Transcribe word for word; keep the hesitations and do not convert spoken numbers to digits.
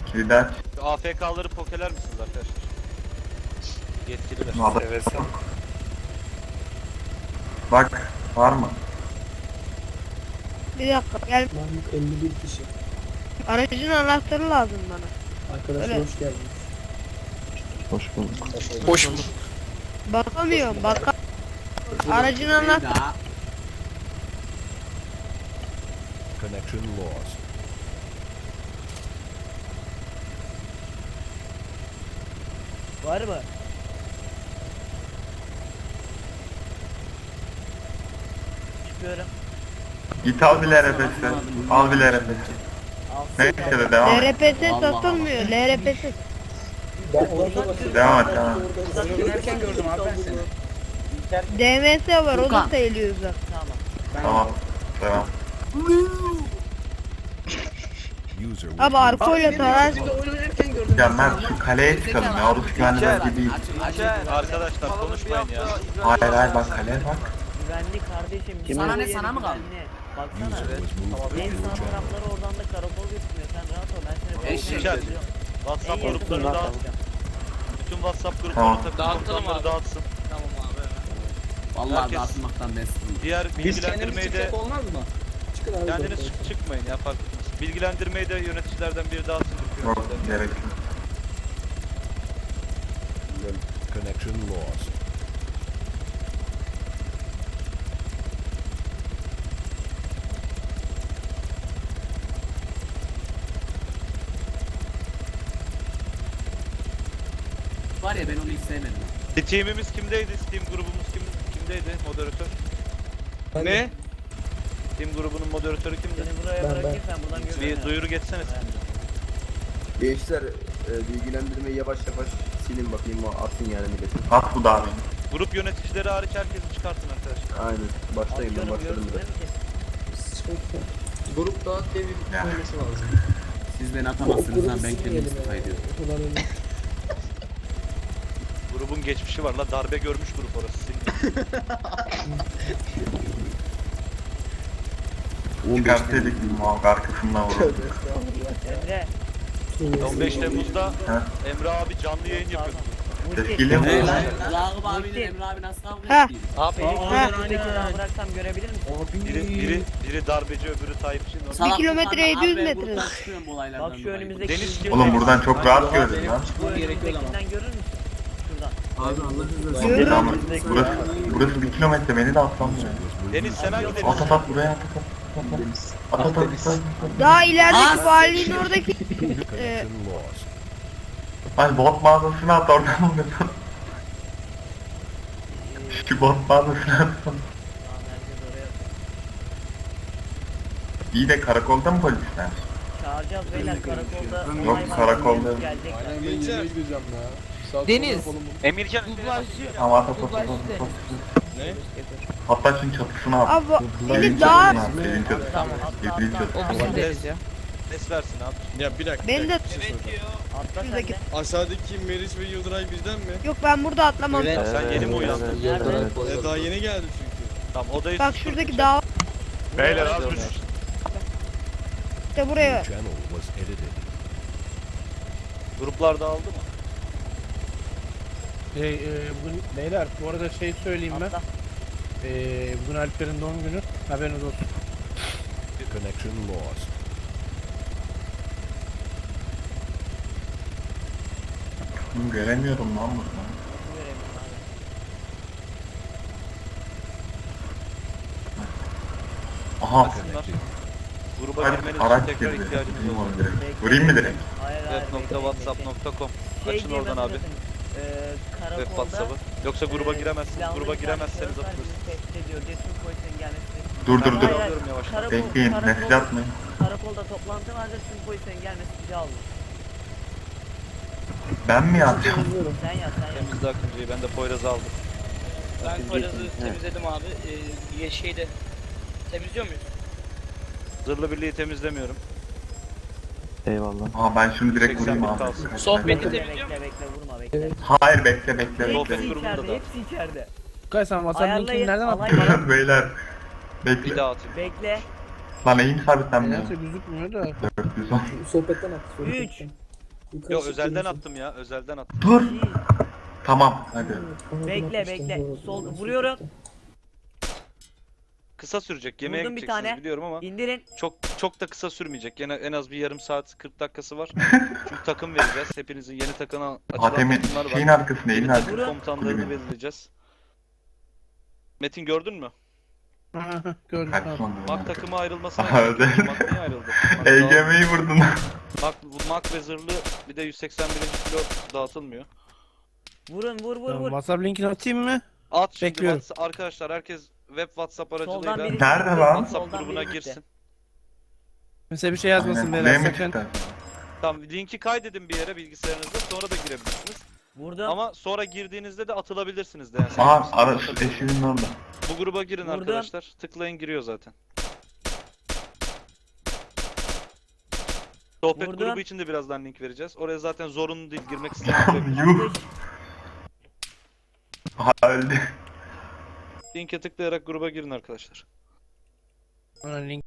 Kilidi aç. A F K'ları pokeler misiniz arkadaşlar? Yetkililer. Adam- Evet. Bak var mı? Bir dakika gel. Mahmut elli bir kişi. Aracın anahtarı lazım bana. Arkadaşlar Evet. hoş geldiniz. Hoş bulduk. Hoş bulduk. Bakamıyorum baka. Aracın anahtarı. Connection lost. Var mı? Çıkıyorum. Git al bir L R P'si. Al bir L R P'si. Neyse de devam et. L R P S satılmıyor. L R P S. Ben orada basıyorum. Devam et devam et. Dönerken gördüm abi ben seni. D M S var o da sayılıyor uzak. Tamam. Tamam. Devam. User was Abi arkoyla tarar. Şimdi oynarken gördüm. Ya Mert şu kaleye çıkalım ya. Orası güvenli bölge değil. Arkadaşlar konuşmayın ya. Hayır hayır bak kaleye bak. Güvenli kardeşim. Sana bu ne, yeri sana mı kaldı? güvenli. Baksana. user was moved to En your sağ channel. tarafları oradan da karakol götürüyor. Sen rahat ol. Ben seni Eşek. götürüyorum. WhatsApp En yakın gruplarını rahat dağıt. olacağım. Bütün WhatsApp Tamam. gruplarını takım Dağıtalım komutanları abi. dağıtsın. Tamam abi. Vallahi Herkes- dağıtmaktan ben sıkıldım. Diğer Biz kendimiz bilgilendirmeyi de çıksak olmaz mı? Çıkın abi. kendiniz zaten. çık çıkmayın ya fark etmez. Bilgilendirmeyi de yöneticilerden biri dağıtsın. Yok gerek yok. Connection lost. Var ya ben onu hiç sevmedim. Steam'imiz kimdeydi? Steam grubumuz kim, kimdeydi? Moderatör. Ben de- Ne? Steam grubunun moderatörü kimdi? Seni buraya Ben- bırakayım sen buradan Bir görüyorsun. duyuru geçsene sen. Gençler e, bilgilendirmeyi yavaş yavaş silin bakayım o atın yani milletin. At bu davet. Grup yöneticileri hariç herkesi çıkartın arkadaşlar. Aynen. Başlayın ben Atıyorum, başladım görürsün bile. değil mi? Çıkın. Grupta devir Ya. koyması lazım. Siz beni O atamazsınız grubu lan ben kendim silmeyelim istifa ya. ediyorum. O kadar öyle. Grubun geçmişi var la darbe görmüş grup orası. Silin. Çıkartsaydık muhakkak arkasından vururdu. Emre. on beş Temmuz'da Ha? Emre abi canlı yayın yapıyor. Tepkili mi? Hey oldu? lan Ragıp abiyle Emre abi nasıl kavga Ha. etti? Abi Ha. Şuradaki daha bıraksam görebilir misin? biri, biri, biri darbeci öbürü Tayyipçi. Salak kilometre Furkan, yedi yüz abi ben metre. gruptan çıkıyorum bu olaylardan Bak şu dolayı. önümüzdeki Deniz kim? Oğlum buradan çok rahat gördün lan. Bu önümüzdekinden görür müsün? Şuradan. Abi Allah razı Görüyorum. Tamam. Burası, burası bir kilometre beni de atlamıyor. Deniz sen hangi deniz? At at at buraya at at at. At at at at. at. Daha ilerideki valinin oradaki. Ee, Connection lost. Ay bot mağazasına at oradan vurursun. Şu bot mağazasına at. Tamam herkes oraya atıyor. İyi de karakolda mı polisler? Çağıracağız beyler karakolda. Yok, olay var, karakolda. Gelecekler. Deniz. Emircan. Tamam at at at at at. Ne? Hatta şunun çatısına at. abi Evin beni daha çatısına at. Evin çatısına Tamam at. atla Evin atla. çatısına at. Ses, ses versin abi. Ya bir dakika. beni de Atla sen Şuradaki- de. Aşağıdaki Meriç ve Yıldıray bizden mi? yok ben burada atlamam. Sen yeni mi uyandın? Nerede? E, daha yeni geldi çünkü. Tamam odayı Bak şuradaki dağ Beyler az düş. işte buraya. Your channel was edited. Gruplar dağıldı mı? Şey, e, bugün beyler bu arada şey söyleyeyim ben. Atla. E, bugün Alper'in doğum günü. Haberiniz olsun. Connection lost. Bunu göremiyorum lan burada. Göremiyorum abi. Aha. Connected. Gruba Hadi girmeniz araç için tekrar girdi. ihtiyacımız Vurayım var. onu direkt. Vurayım mı direkt? Hayır hayır. Web nokta whatsapp nokta com. Şey Açın oradan abi. Eee Web karakolda. WhatsApp'ı. Yoksa gruba eee, giremezsiniz. silahlı Gruba bir giremezseniz şahıs var, atılır. bizi tehdit ediyor. Cesun polisin gelmesi. Dur dur Ben dur. Hayır, alıyorum yavaştan. Karakol, Bekleyin. karakol- Mesaj atmayın. Karakolda toplantı vardı. Tüm polisin gelmesi bizi aldı. Ben mi yapacağım? Yazıyorum. Sen yaz sen yaz. Temizle Akıncı'yı. Ben de Poyraz'ı aldım. Ben Poyraz'ı temizledim abi. Ee, şeyde temizliyor muyuz? Zırhlı birliği temizlemiyorum. Aa ben şunu direkt vurayım seksen abi. bin kalsın. Sohbeti Bekle temizliyor bekle bekle vurma bekle. Evet. Hayır bekle bekle Sohbet bekle. Hepsi grubunda içeride da. hepsi içeride. Kay sen WhatsApp linkini Ayarlayın. nereden alay attın? bana. Beyler. Bir Bekle. daha atayım. Bekle. Lan eğim sabitlenmiyor. Nedense gözükmüyor da. dört yüz on. Sohbetten at. Üç. Sohbetten. Yukarı Yok çık özelden gelirsin. attım ya. Özelden attım. Dur. Tamam hadi. Tamam, Bekle atmıştım, bekle. doğru. Sol vuruyorum. Kısa sürecek. Yemeğe Vurdum bir gideceksiniz tane. biliyorum ama İndirin. çok çok da kısa sürmeyecek. Gene en az bir yarım saat kırk dakikası var. Çünkü takım vereceğiz. Hepinizin yeni takına açılan Atemin takımlar şeyin var. arkasında, evin Yeni arkasında. takım komutanlarını Kulübün. belirleyeceğiz. Metin gördün mü? Gördüm Hadi tamam. son Mak durumda. takımı ayrılmasına Aha, gerek yok. Mak niye ayrıldı? Mak, E dağıl- G M'yi vurdun. Mak, Mak ve zırhlı bir de yüz seksen birinci kilo dağıtılmıyor. Vurun vur vur Tamam, vur. WhatsApp linkini atayım mı? At şimdi Bekliyorum. WhatsApp- arkadaşlar herkes web WhatsApp Soldan aracılığıyla biri Nerede çıktı, lan? WhatsApp soldan grubuna biri gitti. girsin. Mesela bir şey yazmasın Aynen. beyler L mi sakın. çıktı? Tamam linki kaydedin bir yere bilgisayarınızda sonra da girebilirsiniz. Vurdum. Ama sonra girdiğinizde de atılabilirsiniz de yani. Aha Sen- ara sen- eşinin orada. Bu gruba girin Vurdum. arkadaşlar. Tıklayın giriyor zaten. Sohbet Vurdum. grubu için de birazdan link vereceğiz. Oraya zaten zorunlu değil girmek isteyen Yuh. Aha öldü. linke tıklayarak gruba girin arkadaşlar. Ana link